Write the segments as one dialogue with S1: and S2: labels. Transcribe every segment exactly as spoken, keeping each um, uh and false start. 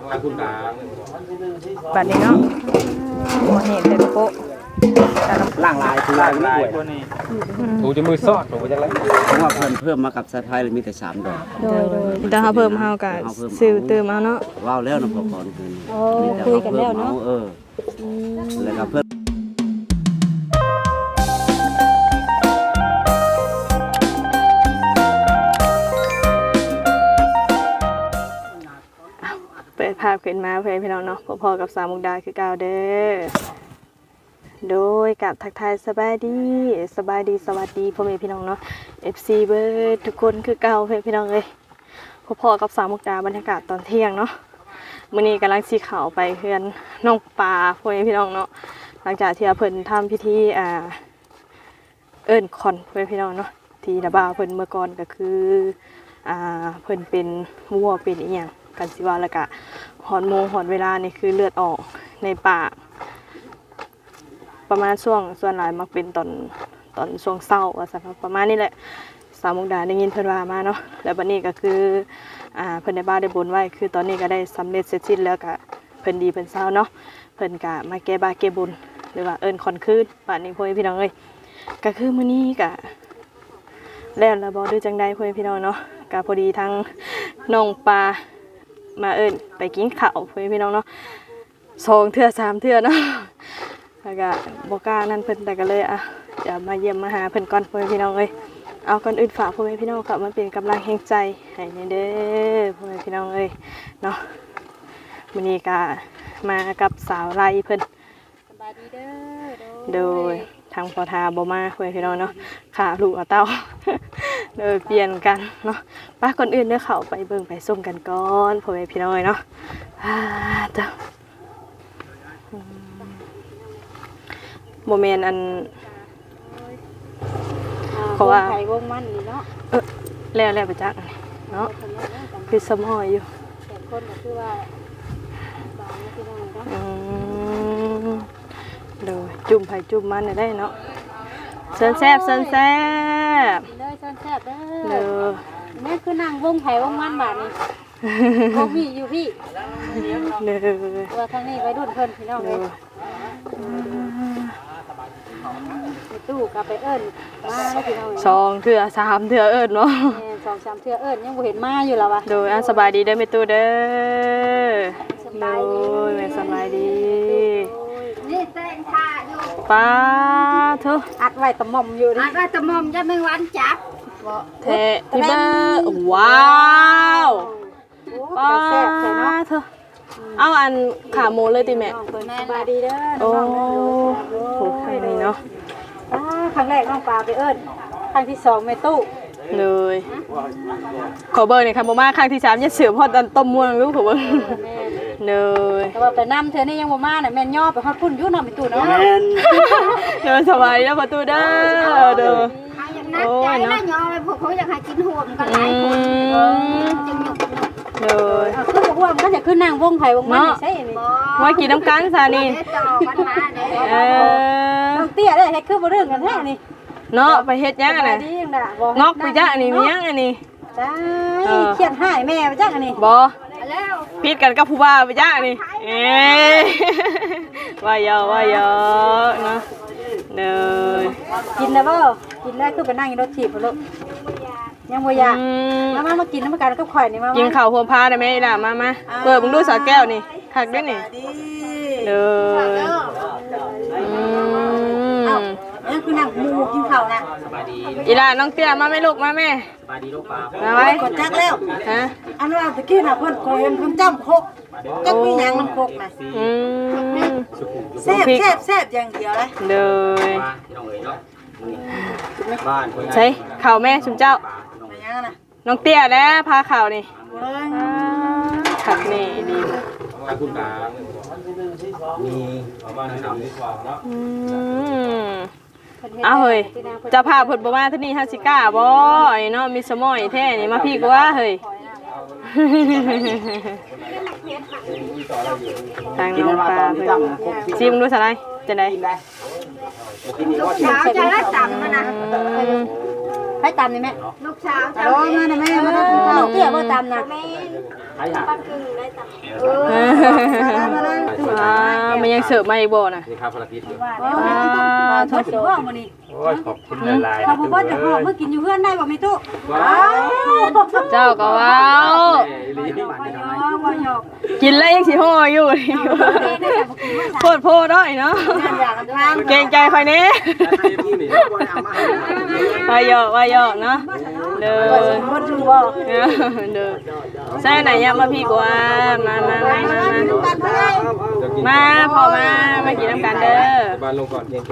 S1: คุณตา
S2: บัดนี้เนาะโมเห็นแต่โป๊ะ
S1: ล่างลายคือลายลายตัวนี้ถูจะมือซอดถูจะอะไรเพราะว่าเพิ่มเพิ่มมากับสายไพ่เลยมีแต่สามดอก
S2: โดยโดยแต่เขาเพิ่มเฮากับซื้อเติมเอาเนาะ
S1: ว้าวแล้วนะพอก่อนคืน
S3: คุยกันแล้วเนาะ
S1: เออแล้วก็เพิ่ม
S2: เปิดภาพขึ้นมาเพื่อนพี่น้องเนาะพอๆกับสาวมุกดาคือเก่าเด้อโดยกับทักทายสบายดีสบายดีสวัสดีพ่อแม่พี่น้องเนาะ เอฟ ซี เบิร์ดทุกคนคือเก่าเพื่อนพี่น้องเลยพอๆกับสาวมุกดาบรรยากาศตอนเที่ยงเนาะมื้อนี้กำลังสีขาวไปเพื่อนน้องปลาพ่อแม่พี่น้องเนาะหลังจากที่เพิ่นทำพิธีอ่าเอิ้นคอนเพื่อนพี่น้องเนาะที่ระบาเพิ่นเมื่อก่อนก็คืออ่าเพิ่นเป็นวัวเป็นอีหยังกันสิว่าแล้วก็หอนโมงหอนเวลานี่คือเลือดออกในปากประมาณช่วงส่วนหลายมักเป็นตอนตอนช่วงเศร้าว่าซั่นประมาณนี้แหละสาวมุกดาได้ยินเพิ่นว่ามาเนาะแล้วบัดนี้ก็คืออ่าเพิ่นได้บ้าได้บนไว้คือตอนนี้ก็ได้สำเร็จเสร็จสิ้นแล้วก็เพิ่นดีเพิ่นเศร้าเนาะเพิ่นก็มาแก้บ้าแก้บุญหรือว่าเอิ้นคอนคืนบัดนี้พ่อพี่น้องเอ้ยก็คือมื้อนี้ก็แล้วแล้วบ่ดูจังได๋พ่อพี่น้องเนาะก็พอดีทั้งน้องปลามาเอิ้นไปกินข้าวเพื่อนพี่น้องเนาะสองเทื่อสามเทื่อเนาะแล้วก็บอกกล้านั่นเพิ่นแต่ก็เลยอ่ะจะมาเยี่ยมมาหาเพิ่นก่อนเพื่อนพี่น้องเอ้ยเอาก่อนอื่นฝากพ่อแม่พี่น้องครับมันเป็นกำลังแห่งใจให้เด้อพ่อแม่พี่น้องเอ้ยเนาะมื้อนี้ก็มากับสาวไร่เพิ่น
S3: สบายดีเด้อ
S2: โดยทางพอทาบ่มาเพื่อนพี่น้องเนาะขาลูกเอาเต้าเด้อเปลี่ยนกันเนาะป้าก่อนอื่นเด้อเข้าไปเบิ่งไปส้มกันก่อนพ่อแม่พี่น้องเนาะอ่าจ้ะโมเมนต์อันเพราะว่า
S3: ไข่วงมันนี่เนาะ
S2: เออแล้วแล้วไปจักเนาะคือสมอยอยู่
S3: แต่คนก็คือว่าบางที่นั่นเนาะ
S2: อืมโดยจุ่มไผ่จุ่มมันได้เนาะเซินแซ่บเซินแซ่บ
S3: เด้อซ่อนแซ่บเด้อ
S2: เด้อ
S3: แม่คือนั่งวงไข่วงมันบาดนี้บ่มีอยู่พี่
S2: เด้อ
S3: ว่าทางนี้ไปรุ่นเพิ่นพี่น้องเอ้ยตู้กลับไปเอิ้นมาแล้วพี่น้อง
S2: สองเทื่อสามเทื่อเอิ้นเนาะ
S3: แม่สองสามเทื่อเอิ้นยังบ่เห็นมาอยู่แล้ววะ
S2: โดยอ่ะสบายดีเด้อแม่ตู้เด้อโดยแม่สบายดี
S3: นี่แตงท่าอยู่
S2: ป้าเถอะ
S3: อัดไว้ตะหม่อมอยู่นี่อัดไว้ตะหม่อมจะไม่หวานจับ
S2: เทพี่เบอร์ว้าวป้าเถอะเอาอันขาหมูเลยติแม่
S3: สบายดีเด้อ
S2: โอ้โหครั้งนี้เนาะ
S3: ครั้งแรกน้องปลาไปเอิ้นครั้งที่สองแม่ตู้
S2: เลยขอเบอร์หน่อยค่ะโมมาครั้งที่สามยัดเสือพอตอนต้มม่วงรู้ขอเบอร์เลย
S3: แต่ว่าไปน้ำเธอนี่ยังโมมาเนี่ยแม่ย่อไปฮอดพุ่นยุ่นเอาไปตู้เนาะ
S2: เดินสบายแล้วประตูเด้อเด้อ
S3: โอ้ยเนาะย่อไปพวกเขาอยากให้กินห่วงกันหลายคน
S2: เลย
S3: คือห่วงก็จะขึ้นนั่งวงไผ่วงมันใช่ไหม
S2: ว่ากินน้ำกันซานี่
S3: เออน้องเตี้ยได้ให้คือบ่เรื่องกันแท้นี่
S2: เนาะไปเฮ็ดยังไงงอกไปจ้าอันนี้มียังอันนี้
S3: ได้เขียนให้แม่ไปจ้าอันนี้
S2: บ่พิดกันกับผู้บ่าวไปจ้าอันนี้เอ๊ว่าเยอะว่าเยอะเนาะเด้อ
S3: กินแล้วบ่กินแล้วคือไปนั่งอยู่รถถีบพุ่นลูกยังบ่อยากมามามากินน้ำกันกับข่อยนี่มา
S2: กินข้าวพวงพาได้ไหมล่ะมามาเปิดมึงดูสาแก้วนี่คักด้วยนี่เด้ออืม
S3: นั่นคือนั่งมูกินข้าวนะ
S2: อีล่ะน้องเตี้ยมาไหมลูกมาแม่
S1: สบายดีลูกปลา
S2: มาไว้
S3: กดจักแล้ว
S2: ฮะ
S3: อันว่าตะกี้น่ะเพิ่นเคยเห็นเพิ่นจ้ำโคกจักมีหยังน้ำโคกน่ะ
S2: อืม
S3: แซ่บแซ่บแซ่บอย่างเดียวเลย
S2: เด้อ
S1: บ้าน
S2: ใช่ข่าวแม่ชุมเจ้าน้องเตี้ยแล้วพาข่าวนี่ขัดนี่ดี
S1: คุณตามีประมาณสามสิบกว่าเนาะ
S2: อ้าวเฮ้ยจะพาเพิ่นบ่มาที่นี่ฮาสิก้าบ่ไอ้เนาะมีสมอยแท้นี่มาพี่ก็ว่าเฮ้ยทางน้องปลาเพิ่นซิมดูซะได้จังได๋
S3: ลูกสาวจะได้ต่ำนะนะใครไปตามนี่แม่ลูกสาวโอ้มาน่ะแม่มาทำข้าวเตี้ยบ่ตามน่ะ
S1: ไอ้ห่า
S3: เออมาเลย
S2: อ่ามันยังเสิร์ฟมาอีกบ่น่ะ
S1: นี่ครับพลพิษอยู่
S3: อ่าทดสอบมื้อนี้
S4: โอ้ยขอบคุณหลายๆ
S3: ถ้าบ่บ่จะหอบมื้อกินอยู่เฮือนได้บ่มีตู้
S1: ว้า
S2: เจ้าก็ว้าว
S1: ลีนี่บ้าน
S3: บ่
S1: นี่
S3: ยอบ่ยอ
S2: กินแล้วยังสิห่ออยู่นี่โพดโพดด้อยเนาะ
S3: อยากกันทาง
S2: เกรงใจค่อยแน่
S1: พี่นี่บ่ได้เอามาให้
S2: ว่าหยอกว่าหยอกเนาะเด้อ
S3: บ่ถูกบ่
S2: เด้อใส่ไหนยามมาพี่กว่ามามามามามามาพอมามากินน้ำกันเด้อ
S1: บ้านลงก่อนเกรงใจ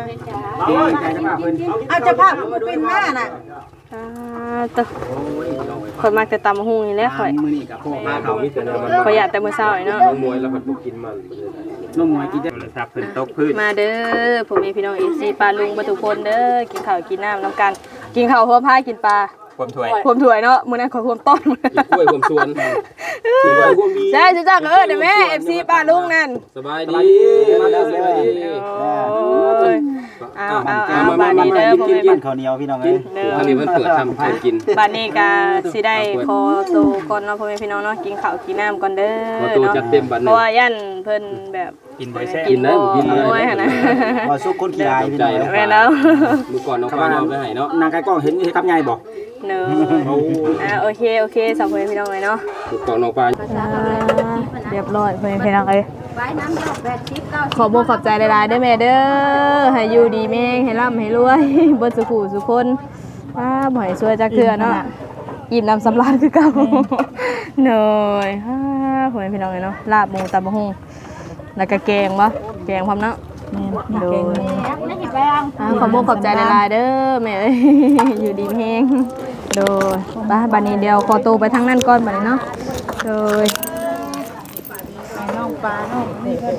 S3: เอาเจ้าภาพเป็นหน้าน่ะ
S2: อ่าตะข่อยมักแต่ตำหุ่งนี่แหละข่อย
S1: มื้อนี้กับพ่อมาเขามีแต่แนวมัน
S2: ข่อยอยากแต่มื้อเช้านี่เนาะ
S1: น้องมวยแล้วมันบ่กินมันน้องมวยกินได้
S4: โทรศัพท์เพิ่นตกพื้น
S2: มาเด้อผมมีพี่น้อง เอ ซี ปลาลุงบ่ทุกคนเด้อกินข้าวกินน้ำน้ำกันกินข้าวหัวพายกินปลา
S4: ความถ้วย
S2: พวมถ้วยเนาะมื้อนั้นข่อยพวมต้น
S1: กินกล้วยผมชวนกินกล้วยผมมี
S2: ใช่จ้าก็เออเด้อแม่ เอฟ ซี ปลาลุงนั่น
S1: สบายดีมาแล้วสบายดี
S2: โอ้ยเอาเอาเอาบาดนี้เด้อพ่อแม่บ้าน
S5: ข้าวเหนียวพี่น้องเอ้ย
S2: เด้อ
S1: อันนี้มันเปิดทำให้กิน
S2: บาดนี้ก็สิได้ขอตัวก่อนเนาะพ่อแม่พี่น้องเนาะกินข้าวกินน้ำก่อนเด้อ
S1: ขอตัว
S2: เนาะ
S1: จัดเต็มบัด
S2: เพ
S1: นี้
S2: ราะว่ายันเพิ่นแบบ
S4: กินบ่แซ่บ
S1: กินนะผมกินเลย
S2: โอ้ยหั่นนะ
S5: ว่าสู้คนขี้อายพี่น้องเอ้ย
S2: แม่นแล้ว
S1: มื้อก่อนน้องฟ้ายอมได้ให้เนาะ
S5: นางไก่กล้องเห็นเห็นกับใหญ่บ่
S2: เนอะอ่าโอเคโอเคสาวพ่อแม่พี่น้องเลยเนาะ
S1: มื้อก่อนน้องฟ้า
S2: เรียบร้อยพ่อแม่พี่น้องเอ้ย
S3: ไว้น้ำดอกแปดสิบเก้า
S2: ขอบอกขอบใจหลายๆเด้อแม่เด้อให้อยู่ดีแม่งให้ร่ำให้รวย เบิดสุขุสุคนอ้าบ่ให้ช่วยจักเทื่อเนาะอิ่มน้ำสำราญคือเก่าเหนื่อยฮ่าพ่อแม่พี่น้องเลยเนาะลาบหมูตำบักหุ่งแล้วก็แกงบ่แกงพร้อมเนาะโดย
S3: ไม่หิบไปอ่ะ
S2: อ่าขอบอกขอบใจหลายๆเด้อแม่เอ้ย อยู่ดีแฮงโดยไปบัดนี้เดียวขอตัวไปทางนั้นก่อนบัดนี้เนาะโดย
S3: น้องปลาน้องนี่ก็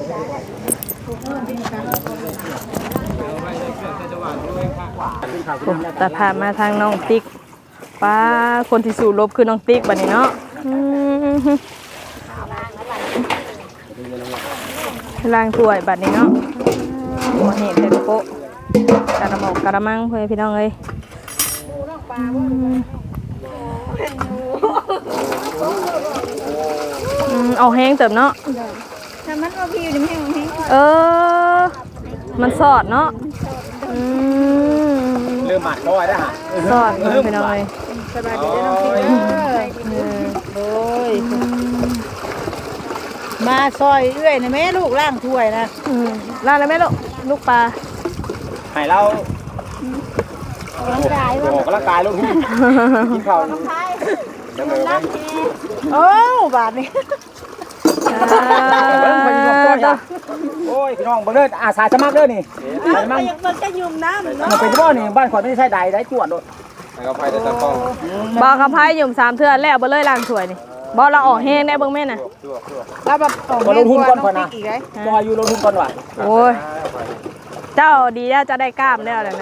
S2: แต่พามาทางน้องติ๊กป้าคนที่สู่ลบคือน้องติ๊กบัดนี้เนาะอืมล้างถ้วยบัดนี้เนาะหัวเห็ดเห็ดโปะกระหมอกกระมังเพื่อนพี่น้องเอ้ยอืมเอาแห้งเติมเนาะ
S3: ถ้ามันว่าพี่อยู่ในแห้งแห้ง
S2: เออมันสอดเนาะอืม
S5: เริ่มหมัดร้อยแล้วฮะ
S2: สอดเพื่อนพี่น้องเอ้ย
S3: สบายดีน้องพี่เด้อโอ้ยมาซอยเอื้อยนะแม่ลูกล่างถ้วยนะ
S2: อืมลาดเลยไหมลูกลูกปลา
S5: ให้เรา
S3: ร่างกาย
S5: ออกกำลังกายลูกพี่กินข้าวยังไงวะ
S3: โอ้บาทนี่
S5: เบิ่งไปอยู่กับตัวจ้ะโอ้ยพี่น้องเบิ่งเด้ออาสาสมัครเด้อนี่สาสมัคร
S3: มันจะยุ่มน้ำ
S5: มันเป็นบ่นี่บ้านข่อยไม่ได้ใช้ใดได้จวดโดด
S1: ให้เขาไปแต่ตะกล้อง
S2: บอกกับไพ่หยุ่มสามเทือนแล้วบ่เลยล้างถ้วยนี่บ่เราออกแห้งได้เบิ่งแม่น่ะ
S3: แล้วแบบ
S5: บ่ลงทุนก่อนข่อยนะ
S3: อีกไง
S5: บ่อยู่ลงทุนก่อนว่ะ
S2: โอ้ยเจ้าดีแล้วจะได้กล้ามแล้วแหละนะ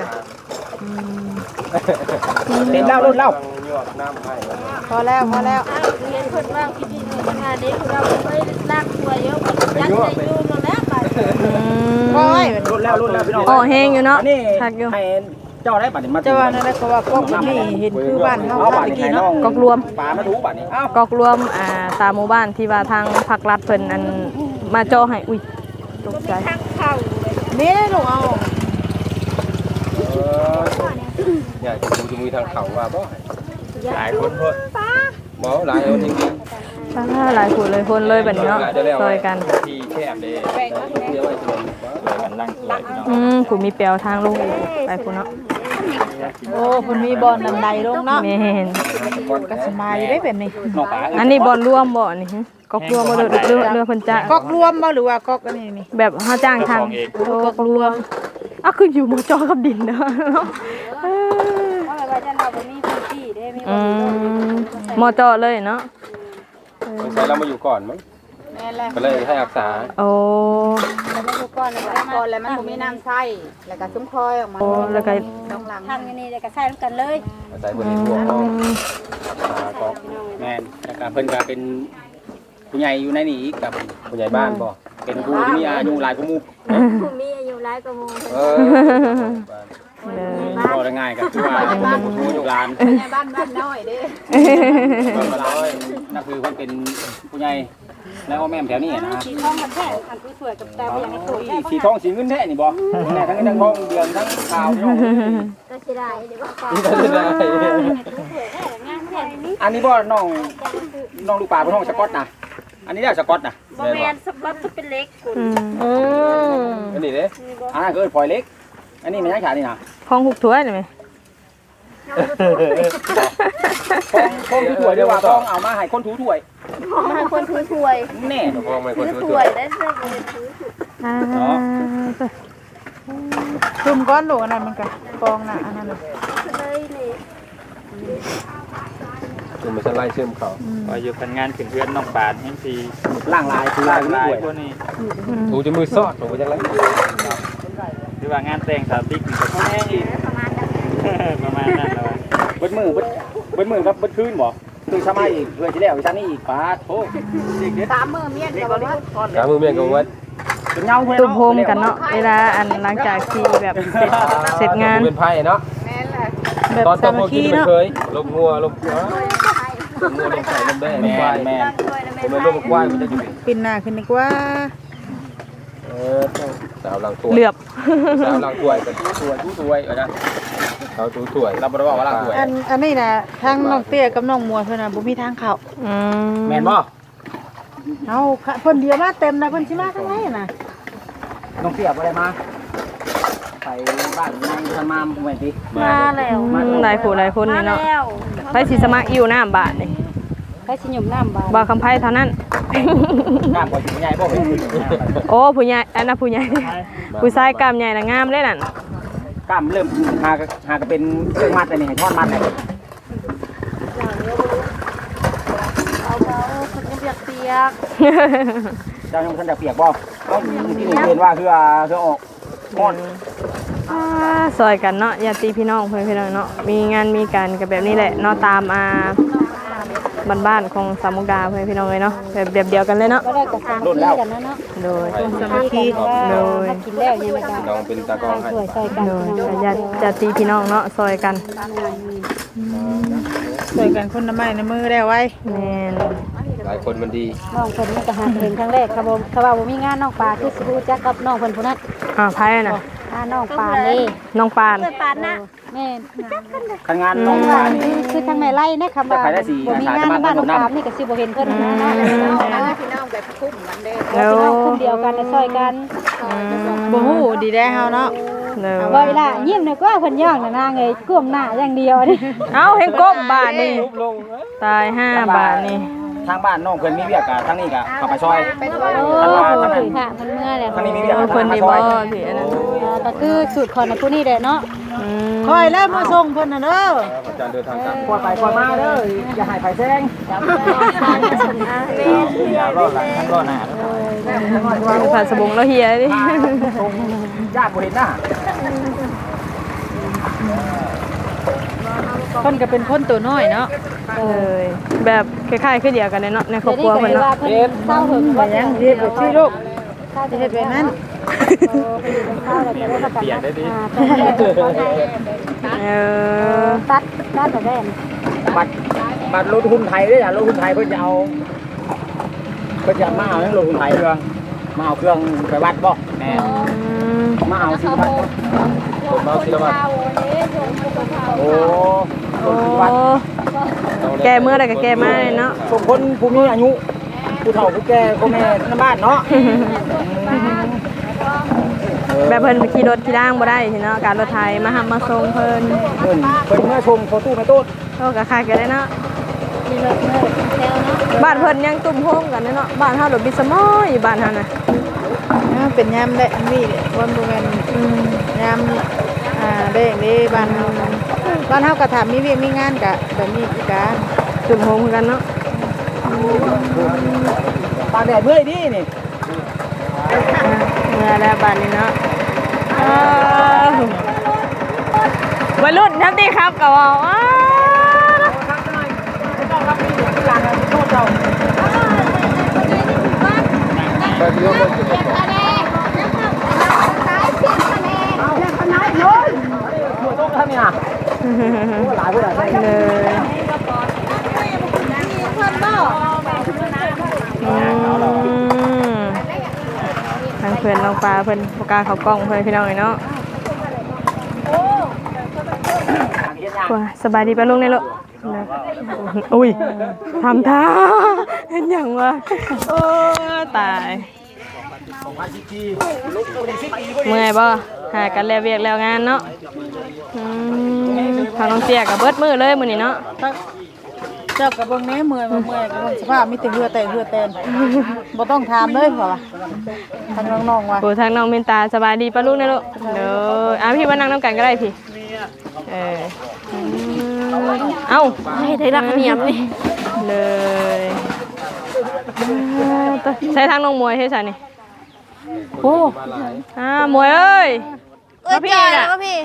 S5: เต็มแล้วรุ่นแล้ว
S3: พอแล้วพอแล้ว
S6: เห็นคนว่าคิดดีหนูขนาดนี้เราไม่ลากตัวเยอะยัดใจยูนแล้วไป
S3: โอ้ย
S5: รุ่นแล้วรุ่นแล้วพี่น้อง
S2: ออกแห้งอยู่เนาะ
S5: อันนี้
S2: ทักอยู่
S5: ให้เจ้าได้บัดนี้มา
S3: จะว่านั่นแหละก็ว่าพวกนี้เห็นคือบ้านเฮา
S5: เอา
S3: บ้า
S5: บั
S3: น
S5: ดนี้
S3: กี้
S5: ให้น้
S3: เนาะ
S5: อง
S2: กอกรวม
S5: ปลามาถูบัดนี้เอ้าก
S2: อกรวมอ่าตามหมู่บ้านที่ว่าทางภาครัฐเพิ่นอันมาจ่อให้อุ้ยตกใจ
S3: นี่ลูกเอา
S1: อยากจะดูจะมีทางเขาว่าบ่
S4: หลายคนพด
S1: บ่หลายเอาจริง
S2: ป้าหลายคนเลยคนเลยแบบนี้เนาะซอยกัน
S4: ที่แคบเด้ช่วยกันล่างถ้วยพี่น้อง
S2: อืมผู้มีเปียวทางลูกไปผู้เนาะ
S3: โอ้เพิ่นมีบอลนำใดลงเนาะ
S2: แม่น
S3: ก็สบายอยู่ได้แบบนี้
S5: น้องปลา
S2: อันนี้บอลรวมบ่นี่ฮะกอกรวมบ่เด้อเรือเรือเพิ่นจ้าง
S3: กอกรวมบ่หรือว่ากอกอันนี้นี่
S2: แบบเฮาจ้างทางโอ้กอกรวมอ่ะคืออยู่หมู่จอกับดินเนาะเออ
S6: เพราะว่าจะเราไม่มีพื้นที่ได้ไม่
S2: อืมหมอจอเลยเนาะ
S1: ๆสงสัยเรามาอยู่ก่อนมั้ง
S6: แม่แหละ
S1: ก็เลยให้รักษา
S2: โอ้
S6: เราไม่รู้ก่อนเลยก่อนแล้วมันบ่มีน้ำใส่แล้วก็ซุ้มคอยออกมา
S2: โอ้แล้วก็
S6: สองหลังทางนี้แล้วก็ใส่กันเลย
S1: อาศัยคนในพวกเขา
S2: อืม
S1: รักษาก็
S5: แม่นแล้วก็เพิ่นก็เป็นผู้ใหญ่อยู่ในนี้อีกกับ
S1: ผู้ใหญ่บ้านบ่
S5: เป็นผู้ที่มีอายุหลายกว่าหมู่
S6: ผู้มีอายุหลายกว่าหมู่
S1: เออ
S2: เลย
S5: ก็ได้ง่ายกับตัวผู้ชูอยู่ร้าน
S3: บ้านบ้านน้อยเด้
S5: ก็ร้อยนั่นคือคนเป็นผู้ใหญ่แล้วก็แม่แถวนี้นะ
S3: สีทองมันแท้อันสวยกับตาอย่างในตู้แท้
S5: สีทองสีเงินแท้นี่บ่แน่ทั้งเงินทั้งทองเดือนทั้งข่าวนี่
S6: ก็สิได้เดี๋ยวว่า
S5: อันนี้บ่น้องน้องลูกปลาเป็นห้องสกอตนะอันนี้ได้สกอตนะ
S6: บ่แม่นสก๊อตเป็นเล็กคุณ
S2: อืม
S5: อันนี้เด้อันนั้นก็เอิ้นพลอยเล็กอันนี้มันยังขานี่นะ
S2: ของหุกถ้วยได้ไหม
S5: ทองทองถูถ้วยเรียกว่าทองเอามาให้คนถูถ้วย
S6: มาคนถือถ้วย
S5: แน่
S4: พวกไม่คน
S6: ถือ
S4: ถือ
S6: ถ้วยได้เสื้อบ่ได้ถือ
S2: อ่า
S3: คุมก้อนหลูกอันนั้นมันก็กองน่ะอันนั้นน่ะ
S6: เลยนี่
S4: คือมันจะไล่เชื่อมเขา
S1: ว่าอยู่พันงานขึ้นเพื่อนน้องปานแห่งที
S5: ล่างลายคือลายไม่
S1: ลาย
S5: ถ้วย
S1: พวกนี้
S4: ถูจะมือซอดถูจะไร
S1: หรือว่างานแต่งสาวติ๊กนี่ก็แน่อีก
S6: ประมาณนั้น
S1: ประมาณนั้นแล้ว
S5: เบิดมือเบิดเบิดมือครับเบิดคืนบ่คือชามาอีกเพื่อที่แล้วชานี่อีกป้าโธ่
S3: สามมือเมียนกับว่า
S4: กามือเมียนกับวัด
S5: เป็นเงาเพื่อน
S2: ตุ่มโฮมกันเนาะเวลาอันหลังจากที่แบบเสร็จเสร็จงาน
S4: เป็นไพ่เนาะ
S3: แม่นแหละ
S2: แบบ
S4: ตอนต
S2: สา
S4: อนพ
S2: มั
S4: ว
S2: ค
S4: ก
S2: คี
S4: ที่มัน
S2: เนาะ
S4: เคยลบงัวลบงัวลบงัวลบไก่ลบแดงลบควาย
S5: แม่
S4: ผมเป็นลบควายมันจะอยู่
S3: ปินหน้าขึ้นดีกว่า
S4: เออสาวหลังตัว
S2: เหลือบ
S4: สาวหลังตัวกันตัวตู้ถ้วยนะสาวตู้ถ้วย
S5: เราบ่ได้ว่าว่าล่างถ้วย
S3: อันอันนี้น่ะทางน้องเตี้ยกับน้องมัวเพิ่นน่ะบ่มีทางเข้า
S2: อืม
S5: แม่นบ่
S3: เอาเพิ่นเดียวมาเต็มนะเพิ่นสิมาทางไหนน่ะ
S5: น้องเสียบอะไรมาไปบ้านยังทันมาเหมือนติ
S6: มาแล้ว
S2: อืมหลายผู้หลายคน
S6: มา
S2: นี่เนาะ
S6: แล้ว
S2: ไปสิสมัครอยู่น้ำบาทนี่
S3: ไปสิหยุ่มน้ำบาด
S2: บ่คำไพ่เท่านั้น
S5: กล้ามกว่าสิใหญ่บ่เป็น
S2: โอ้ผู้ใหญ่อันน่ะผู้ใหญ่ผู้ชายกล้ามใหญ่น่ะงามเลยนั่น
S5: กล้ามเริ่มหากหากเป็นเครื่องมัดอันนี้ให้ทอดมัดเลย
S6: เอาเบาคนยังเปียกเปียก
S5: เจ้ายังท่านจะเปียกบ่เอ้าที่นี่เรียนว่าคือคือออกม่อน
S2: อ่าซอยกันเนาะญาติพี่น้องเพื่อนพี่น้องเนาะมีงานมีการกันแบบนี้แหละเนาะตามอ่าบ้านๆของสามมุกดาเพื่อนพี่น้องเลยเนาะแบบแบบเดียวกันเลยเนาะ
S3: ก็ได้กับสามที่กันนะเนาะ
S2: โดย
S3: สามัคคีโดยกินแล้วยังไงกัน
S4: น้องเป็นตากองให้
S3: ช่วยช่วยกัน
S2: โดยแต่ญาติญาติพี่น้องเนาะซอยกัน
S3: ช่วยกันคนละไม้ในมือได้ไว้
S2: แม่น
S4: หลายคนมันดี
S3: น้องเพิ่นมันก็หาเห็นครั้งแรกครับผมเขาว่าบ่มีงานน้องปลาคือสิรู้จักกับน้องเพิ่นผู้นั้น
S2: อ่าไพ่น่ะ
S3: อ่าน้องปลานี่
S2: น้องปาน
S6: เปิดปานนะ
S3: แม่น
S5: คันงานน้อง
S3: ว่า
S5: มานี่
S3: คือทางแม่ไล่นะคำว่าบ่มีงานในบ้านน้องปลานี่ก็สิบ่เห็นเพิ่นนะเนาะพี่น้องแบบคุ้มกันเด้อ
S2: แล้ว
S3: พี่น้องคุ้มเดียวกันช่วยกัน
S7: บ่ฮู้ดีได้เฮาเนาะ
S2: แล้ว
S3: ว่าเวลายิ้มนึกว่าเพิ่นย่องน่ะนางเอ้ยก้มหน้าอย่างเดียวนี่
S2: เอ้าเห็นก้มบาทนี่ตายห้าบาทนี่
S5: ทางบ้านน้องเพิ่นมีเวียกกับทางนี้ก็เข้าไปซอย
S3: โอ้ยค่ะมันเมื่อแล้ว
S5: ทางนี้มีเวียก
S2: เอา
S5: กับ
S2: คน
S5: ทาง
S2: ดี
S5: มาซ
S2: บ่
S5: อย
S2: พี่อันนั้น
S3: ก็คือสูตรของผู้นี้แหละเนาะ
S2: อืม
S7: คอยแล้วมาส่งเพิ่นน่ะเด้อ
S4: อาจารย์เดินทางกลับ
S5: กวาดไปกวาดมาเด้ออย่าให้ไผแซง
S1: อย่ารอดหลังทั้งรอดหน้า
S2: ผ่านสบงแล้วเฮียดิ
S5: ตรงญาติบ่เห็นหน้า
S7: เพิ่นก็เป็นคนตัวน้อยเนาะ
S2: เลยแบบคล้ายๆคือเดียวกันเลยเนาะในครอบครัว
S3: เพิ่
S2: เพิ่น
S3: นว่า
S2: เนาะ
S3: เพิ่นเศร้าหึงว่า
S7: ยังเฮ็ดบ่ชื่อลูก
S3: เฮ็ดแบบนั้นเศร้าแล้วก็ได้ประกัน
S1: เปลี่ยนได้ดิ
S2: เออ
S3: ตัดตัดแบบนั้น
S5: บัตรบัตรรถหุ้นไทยเด้ออย่ารถหุ้นไทยเพิ่นจะเอาเพิ่นจะมาเอารถหุ้นไทยเครื่องมาเอาเครื่องไปวัดบ่แม่
S2: อืม
S5: มาเอาสิวัด
S4: ผมเอาศิลปะ
S5: โอ้
S2: โอ้แกเมื่อใดก็แกมาเลยเนาะ
S5: ส่งคนผู้มีอายุผู้เฒ่าผู้แก่พ่อแม่ในบ้านเนาะ
S2: แบบเพิ่นขี่รถขี่ด่างบ่ได้สิเนาะการรถไถมาหับมาส่งเพิ่น
S5: เพิ่นเพิ่นเมื่อชมเขาตู้ไม่ตู้
S2: โอ้ก็คล้ายกันเลยเนาะ
S3: มีรถเมื่อแซวเนาะ
S2: บ้านเพิ่นยังตุ่มโฮมกันเนาะบ้านเฮาดอกบิสมอยบ้านเฮาน่ะ
S7: อ่าเป็นยามได้อันนี้เด้บ่บ่แม่น
S2: อืม
S7: ยามอ่าแดงเด้บ้านเฮาบ้านเฮาก็ถามมีเวียกมีงานก็แบบนี้คือกัน
S2: ตุ่มโฮมคือกันเนาะ
S5: ตากแดดเมื่อยดินี่
S2: เมื่อแล้วบ้านนี้เนาะอ้าววัยรุ่นทันทีครับก็ว่าอ้าว
S4: ไปเลี้ยงรถจุดประสงค์
S6: ตายเสียงคะแนน
S2: เพื่อนน้องปลาเพื่อนโฟกัสเขากล้องเพื่อนพี่น้องเลยเนาะว้าสบายดีป่ะลุงเนี่ยลูกอุ้ยทำท่าเห็นอย่างวะโอ้ตายเมื่อยบ่หากันแล้วเวียกแล้วงานเนาะทางน้องเตี้ยกับเบิดมือเลยมื้อนี้เนาะ
S7: เจ้ากับเบิ่งแม่เมื่อยบ่เมื่อยกับเบิ่งสภาพมีแต่เหือแต่เหือแตนบ่ต้องถามเลยเพราะว่าทางน้องๆว่า
S2: โอ้ทางน้องเมนตาสบายดีป่ะลูกเนี่ยลูกเด้ออ่ะพี่มานั่งนำกันก็ได้พี่เออเอ้าให้ได้รักเนียมนี่เลยใช้ทางน้องมวยให้ฉันนี่โอ้อ่ามวยเอ้ยเอ้ยพี่น่ะพี่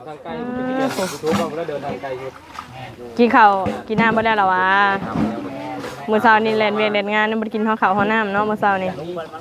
S2: กินข้าวกินน้ำบ่ได้หรอวะมื้อเช้านี่แล่นเวียนเล่นงานบ่ได้กินข้าวข้าวข้าวน้ำเนาะมื้อเช้านี่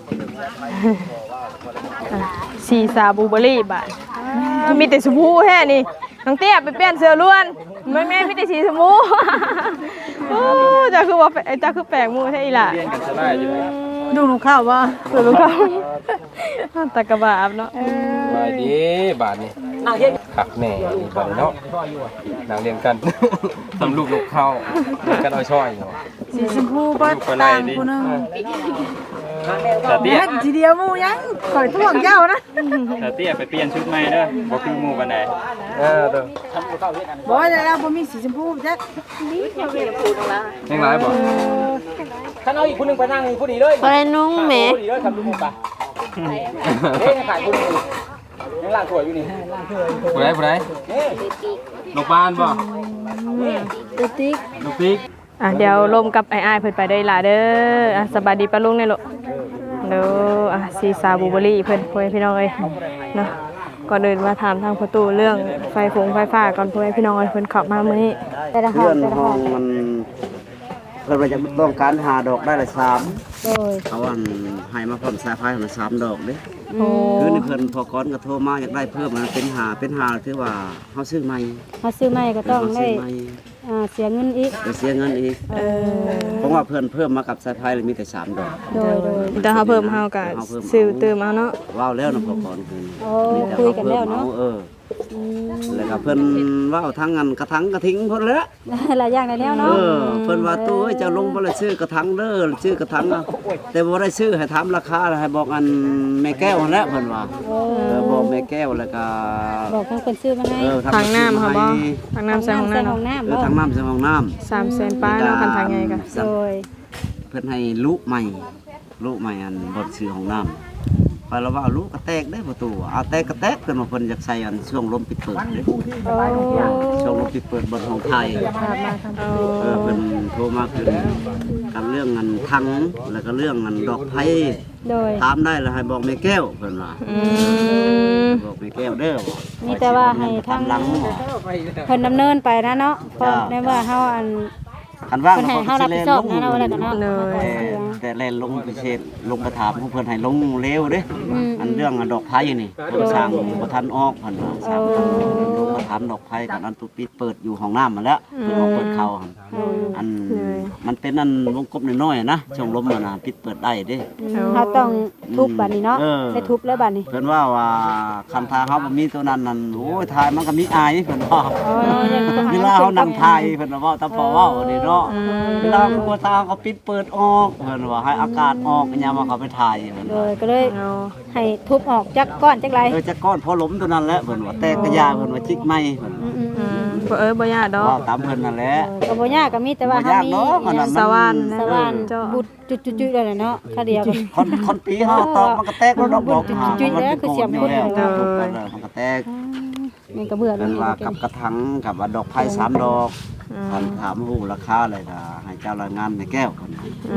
S2: สีซาบูเบอรี่บาทมีแต่ชมพูแท้นี่น้องเตี้ยไปเปลี่ยนเสื้อล้วนไม่แม่มีแต่สีชมพูโอ้จ้าคือว่าจ้าคือแปลกมูแท้อีหล่ะดูลูกข้าวบ่ดูลูกข้าวตะกะบาบเนาะ
S4: สบายดีบาทนี่ขักแน่บาทเนาะนางเรียนกันทำลูกลูกเข้ากันเอาช่อยเนาะ
S7: สีชมพูบ่ต่างผู้นึง
S4: แต่เตี้ย
S7: ทีเดียวหมู่ยังข่อยท่วงเจ้านะ
S4: แต่เตี้ยไปเปลี่ยนชุดใหม่เด้อบ่คือหมู่ปานใดเออเด้อ
S7: บ่ได้แล้วบ่มีสีชมพูจัก
S2: นี่เจ้าเวียนพูดว่า
S4: ยังหลายบ่
S5: คันเอาอีกคนนึงไปนั่งผู้ดีเลย
S2: บ่ได้นุ่งแหม
S5: ผู้ดีเลยทำลูกหมูปะเฮ้ยขายผู้ดียังล่างถ้วยอยู่นี่
S4: ผู้ใดผู้ใดลูกบ้านบ่
S2: ลูกติ๊ก
S4: ลูกติ๊ก
S2: อ่ะเดี๋ยวลมกับไอ้อ้ายเพิ่นไปได้ล่ะเด้ออ่ะสบายดีป่ะลุงเนี่ยลูกเด้ออ่ะซีซาบูเบอรี่เพิ่นพ่อพี่น้องเอ้ยเนาะก่อนอื่นมาถามทางประตูเรื่องไฟฟงไฟฟ้าก่อนพ่อพี่น้องเอ้ยเพิ่นขับมามื้อนี้
S1: แต่ละห้องแต่ละห้องมันเพิ่นว่าจะต้องการหาดอกได้ละสามโอ้ยเขาว่าให้มาพร้อมสายไฟมาสามดอกเด้คือนี่เพิ่นพอก้อนก็โทรมาอยากได้เพิ่มมันเป็นหาเป็นหาคือว่าเฮาซื้อใหม่
S3: เฮาซื้อใหม่ก็ต้องได้อ่าเสียเงินอีก
S1: เสียเงินอีกเออเพราะว่าเพิ่นเพิ่มมากับสายไฟเลยมีแต่สามดอก
S3: โดยโดย
S2: แต่เฮาเพิ่มเฮาก็ซื้อเติมเอาเนาะ
S1: ว้าวแล้วเนาะพอก้อนคือ
S3: โอ้คุยกันแล้วเนาะ
S1: เออแล้วก็เพิ่นว่าเอาทั้งอันกระถังกระทิ้งเพิ่นแล้ว
S3: หลายอย่างในแนวเนาะ
S1: เออเพิ่นว่าตู้เจ้าลงบ่ได้ซื้อกระถังเด้อซื้อกระถังแต่บ่ได้ซื้อให้ถามราคาให้บอกอันแม่แก้วนั่นแหละเพิ่นว่าเออบอกแม่แก้วแล้วก็
S3: บอกทางคนซื้อมาให้
S2: ทางน้ำค่ะบ่ทางน้ำใส่ห้องน้
S1: ำเออทางน้ำใส่ห้องน้ำ
S2: สามแสนป้าเนาะคันทางไงก็
S3: โดย
S1: เพิ่นให้ลูกใหม่ลูกใหม่อันบ่ซื้อห้องน้ำไปแล้วว่าลูกกระแตกได้ประตูเอาแตกกระแตกเพิ่นมาเพิ่นอยากใส่อันช่วงลมปิดเปิดเด้ช่วงลมปิดเปิดบนห้องไทยเออเพิ่นโทรมาคือกันเรื่องเงินทังแล้วก็เรื่องเงินดอกไผ่ถามได้แล้วให้บอกแม่แก้วเพิ่นว่าอืมบอกแม่แก้วเด้อ
S3: มีแต่ว่าให้ทางเพิ่นดำเนินไปนะเนาะเพราะในว่าเฮาอัน
S1: คันว่างเ
S3: ฮารับผิดชอบนะเนาะอะไรกันเนาะ
S1: แต่แล่นลงไปเช็ดลงกระถามเพิ่นให้ลงเร็วเด้อันเรื่องดอกไผ่นี่เพิ่นสร้างบ่ทันออกเพิ่นว่าสร้างลงกระถามดอกไผ่กันอันตุปิดเปิดอยู่ห้องน้ำมาแล้วเพิ่นเอาเปิดเข้าอันมันเป็นอันวงกบน้อยๆนะช่องลมน่ะปิดเปิดได้เด้
S3: เฮาต้องทุบบัดนี้เนาะได้ทุบแล้วบัดนี้
S1: เพิ่นว่าว่าคันทาเฮาบ่มีตัวนั้นนั่นโอ้ยทายมันก็มีอายเพิ่นว่าเวลาเฮานั่งทายเพิ่นว่าตาพอเว้านี่เนาะเวลาตัวตาก็ปิดเปิดออกเพิ่นว่าให้อากาศออกยามมาเขาไปถ่ายเพิ่น
S3: เลยก็เลยให้ทุบออกจักก้อนจักไร
S1: เออจักก้อนพอล้มตัวนั้นแหละเพิ่นว่าแตกกระยาเพิ่นว่าจิกไม้เพิ่น
S2: บ่เอ้ยบ่ยากดอก
S1: ตามเพิ่นนั่นแหละ
S3: ก็บ่ยากก็มีแต่ว่าเฮามี
S2: สวรรค์
S3: สวรรค์บุตรจุดๆๆได้เนาะค่าเดียว
S1: คนคนปีเฮาตอกมันก็แตกดอกดอก
S3: จุดๆแล้วคือเสียบคน
S1: มันก็แตก
S3: มันก็เบื่อแล้ว
S1: ว่ากับกระถางกับดอกไผ่สามดอกถามฮู้ราคาเลยก็ให้เจ้ารายงานแม่แก้วเพิ่น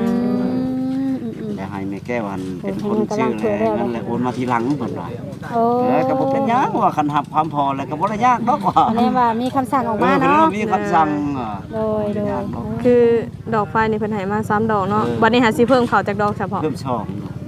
S1: แต่ให้แม่แก้วอันเป็นคนชื่อแล้วนั่นแหละโอนมาทีหลังเพิ่นว่าเออก็บ่เป็นหยังว่าคันหับความพอแล้วก็บ่ได้ยากดอกว่า
S3: อันนี้ว่ามีคำสั่งออกมาเนาะ
S1: มีคำสั่ง
S3: โดยโดย
S2: คือดอกไฟนี่เพิ่นให้มาสามดอกเนาะบัดนี้หาสิเพิ่มเข้าจากดอกเฉพาะ
S1: เพิ่มช่อง
S3: อื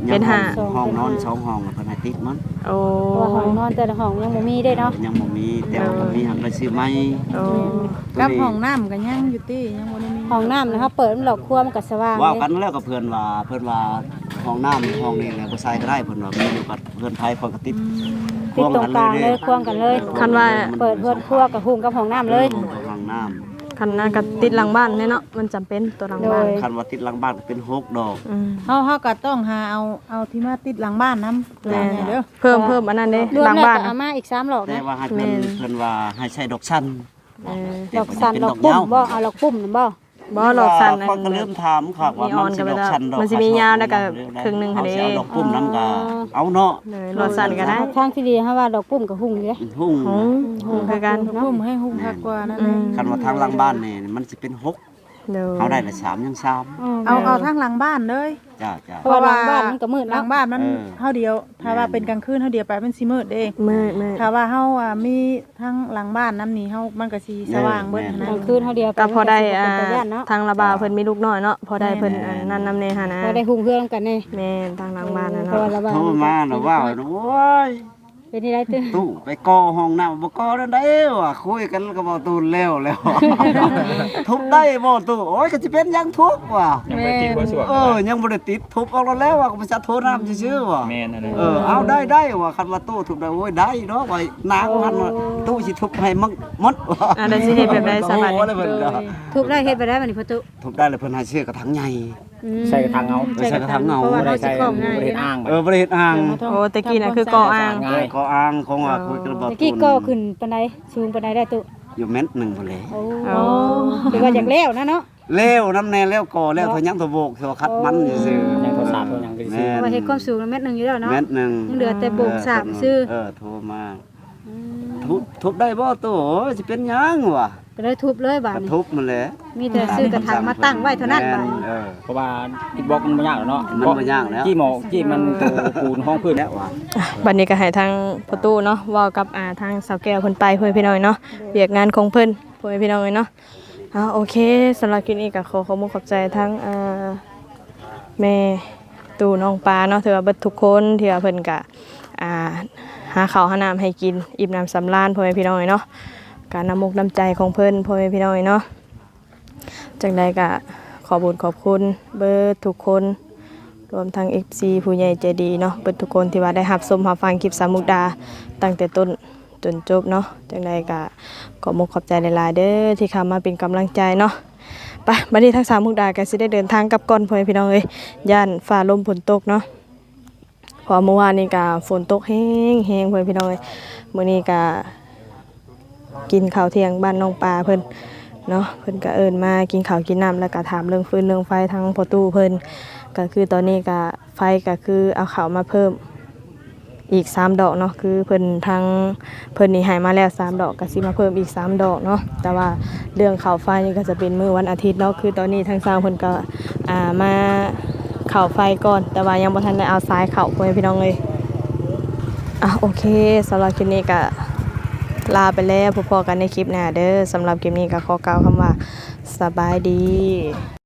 S2: เป็นห้า
S1: ห้องนอนสองห้องเพิ่นให้ติดมัน
S2: โอ้
S3: เพราะว่าห้องนอนแต่ละห้องยังบ่มีได้เนาะ
S1: ยังบ่มีแต่ว่าบ่มีหักได้ซื้อใหม่
S2: โอ้
S7: กับห้องน้ำก็ยังอยู่ติยังบ่ได้มี
S3: ห้องน้ำนะครับเปิดมันหลอกครัวมันก็สว่าง
S1: ว่า
S3: เลย
S1: กันแล้วกับเพิ่นว่าเพิ่นว่าห้องน้ำห้องนี้แหละบ่ใส่ก็ได้เพิ่นว่ามีอยู่กับเพิ่นไผเพิ่นก็ติด
S3: ติดตรงกลางเลยควงกันเลย
S2: คันว่า
S3: เปิดเพื่อนครัวกับหุงกับห้องน้ำเลย
S1: ห้องน้ำ
S2: คันนั้นก็ติดหลังบ้านแน่เนาะมันจำเป็นตัวหลังบ้าน
S3: โดย
S1: คันว่าติดหลังบ้านก็เป็นหกดอก
S2: อืม
S7: เฮาเฮาก็ต้องหาเอาเอาที่มาติดหลังบ้านนำ
S2: แม่น
S7: เด้อ
S2: เพิ่มเพิ่มอันนั้นเด้
S3: รวม
S2: หลัง
S3: แล้ว
S2: บ้าน
S3: ก็เอามาอีกสามหลอก
S1: แต่
S3: นะ
S1: ว่าให้เพิ่น
S2: แม่น
S1: เพิ่นว่าให้ใช้ดอกสั้น
S2: เออ
S3: หลอกสันหลอกปุ่มบ่เอาหลอกปุ่มนั่นบ่
S2: บ่หลอกสัน
S1: เพิ่นก็เริ่มถามครับว่า
S2: มีอ
S1: มั
S2: อน น
S1: สิ
S2: กันไป
S1: ดอก
S2: แล้ว
S1: สั้นดอก
S2: มันสิมียาวแล้วก็ครึ่งหนึงหั่น
S1: เฮา
S2: เด้
S1: สิเอาดอกปุ่มนำก็เอาเนาะ
S2: เลยหลอกสันก็ได้
S3: ทางที่ดีเฮาว่าหลอกปุ่มกับหุงอยู่เด้
S1: หุ่ง
S2: หงหงคือกัน
S7: พุ่มให้หุ้มคักกว่านั่น
S2: อื
S7: เอ
S2: ม
S7: ง
S1: คันว่าทางหลังบ้านนี่มันสิเป็นหก
S2: เด้อ
S1: เฮาได้ละสามยังสาม
S7: เอาเอาทางหลังบ้านเลย
S1: จ้าจ้า
S3: เพราะว่าหลังบ้านมันก็มืด
S7: หลั
S3: เนาะ
S7: งบ้านมัน
S1: เออ
S7: เฮาเดียว ถ้าว่าเป็นกลางคืนเฮาเดียวไปมันสิมืดเด้
S2: มืดมืด
S7: ถ้าว่าเฮาอ่ะมีทั้งหลังบ้านน้ำนี่เฮามันก็สิสว่างเบิด
S3: ก
S7: นะ
S3: ลางคืนเฮาเดียว
S2: ก็พอได้
S3: เป็
S2: อ่าน
S3: ตาย่านเนาะ
S2: ทางระบาวเพิ่นมีลูกน้อยเนาะพอได้เพิ่นอันนั่นนำแน่หั่นนะ
S3: พอได้หุงเพื่อนกันนี่
S2: แม่นทางหลังบ้านน่ะ
S3: พอ
S2: เนาะ
S3: ละบ้า
S1: โทรมาน่ะว่าโอ้ย
S3: เป็นที่ไรตึ้ง
S1: ตู้ไปกอห้องน้ำบ่กอนั่นได้ว่ะคุยกันก็บ่ตูนแล้วแล้ว ทุบได้บ่ตู้โอ้ยก็สิเป็นหยังทุบว่ะ
S4: ยังไม่ติดบ่สวก
S1: เออยังบ่ได้ติดทุบออกแล้วแล้วว่ะก็บ่จะโทรน้ำซื่อๆว่ะ
S4: แม่นอะไร
S1: เออเอาได้ได้ว่ะคันว่าตู้ทุบได้โอ้ยได้เนาะว่านางมันว่าตู้สิทุบให้มันหมดว่ะ
S2: อ่าได้สิเฮ็ดแบบใดสบาย
S1: โอ้โหเลยเพิ่นก็
S3: ทุบได้เฮ็ดไปได้บัดนี้ประตู
S1: ทุบได้เลยเพิ่นให้ซื้อกระถางใหญ่
S3: อืม
S5: ใส่กระถางเอา
S1: ใส่กระถางเอา
S3: เพราะว่า
S5: บ่ได้
S3: เฮาสิ
S5: ใส่
S3: คล้อง
S5: บ่
S3: ง่าย
S5: ได้เฮ็ดอ้าง
S1: เออบ่ได้เฮ็ดอ่าง
S2: โอ้ตะกี้น่ะคือก่ออ้าง
S5: ง่าย
S1: ก็อ้างของว่าคุยกันบ่
S3: ตะกี้ก็ขึ้นปานใดสูงปานใดได้ตุ
S1: อยู่เม็ดหนึงพุ่นแหละ
S3: โอ้คือว่าอยากแล้วนะเนาะ
S1: เล้วน้ำแน่แล้วก่อแล้วทะยังทะโบกทะคัดมันซื่อๆ
S5: ยังโทรศัพท์ตัวยังก็สิ
S1: แม่
S3: เพราะว่าเฮ็ดความสูงเม็ดหนึงอยู่แล้วเนาะ
S1: เม็ดหนึง
S3: ยังเหลือแต่โบกสามซื่อ
S1: เออโทรมาทุบทุบได้บ่ตู้โอ้ยสิเป็นหยังวะ
S3: ก็เลยทุบเลยบาด
S1: ก็
S3: นี้
S1: ทุบมันแหละ
S3: มีแต่ซื้อกระถางมาตั้งไว้เท่านั้นบาดนี้
S1: เออ
S5: เพราะว่าอิฐบล็อกมันบ่ยากหรอกเนาะ
S1: มันบ่ยากแล้ว
S5: จี้หมอกจี้มันตัวปูนห้องพื้น
S1: แล้วว่ะ
S2: บัดนี้ก็ให้ทางประตูเนาะเว้ากับอ่าทางสาวแก้วเพิ่นไปเพิ่นพี่น้อยเนาะเวียกงานของเพิ่นเพิ่นพี่น้อยเนาะอ่าโอเคสำหรับคลิปนี้ก็ขอขอบคุณขอบใจทั้งอ่าแม่ตู่น้องปลาเนาะถือว่าเบิดทุกคนที่ว่าเพิ่นก็อ่าหาข้าวหาน้ำให้กินอิ่มน้ำสำราญพ่อแม่พี่น้อยเนาะการน้ำมุกน้ำใจของเพิ่นพ่อแม่พี่น้อยเนาะจังใดก็ขอบุญขอบคุณเบิดทุกคนรวมทั้ง เอฟ ซี ผู้ใหญ่ใจดีเนาะเบิดทุกคนที่ว่าได้รับชมรับฟังคลิปสามมุกดาตั้งแต่ต้นจนจบเนาะจังใดก็ขอมุกขอบใจหลายๆเด้อที่เข้ามาเป็นกำลังใจเนาะไปบัดนี้ทั้งสามมุกดาก็สิได้เดินทางกลับก่อนพ่อแม่พี่น้องเอ้ยย่านฟ้าลมฝนตกเนาะเพอเมื่อวานนี้ก็ฝนตกแห้งแห้งพ่อแม่พี่น้องเอ้ยมื้อนี้ก็กินข้าวเที่ยงบ้านน้องปลาเพิ่นเนาะเพิ่นก็เอิ้นมากินข้าวกินน้ำแล้วก็ถามเรื่องฟืนเรื่องไฟทางประตูเพิ่นก็คือตอนนี้ก็ไฟก็คือเอาข้าวมาเพิ่มอีกสามดอกเนาะคือเพิ่นทางเพิ่นนี่ให้มาแล้วสามดอกก็สิมาเพิ่มอีกสามดอกเนาะแต่ว่าเรื่องข้าวไฟนี่ก็จะเป็นมื้อวันอาทิตย์เนาะคือตอนนี้ทางสร้างเพิ่นก็อ่ามาเข้าไฟก่อนแต่ว่ายังบ่ทันได้เอาสายเข้าพ่อแม่พี่น้องเลยอ่ะโอเคสำหรับคลิปนี้ก็ลาไปแล้วพบกันในคลิปหน้าเด้อสำหรับคลิปนี้ก็ขอกล่าวคำว่าสบายดี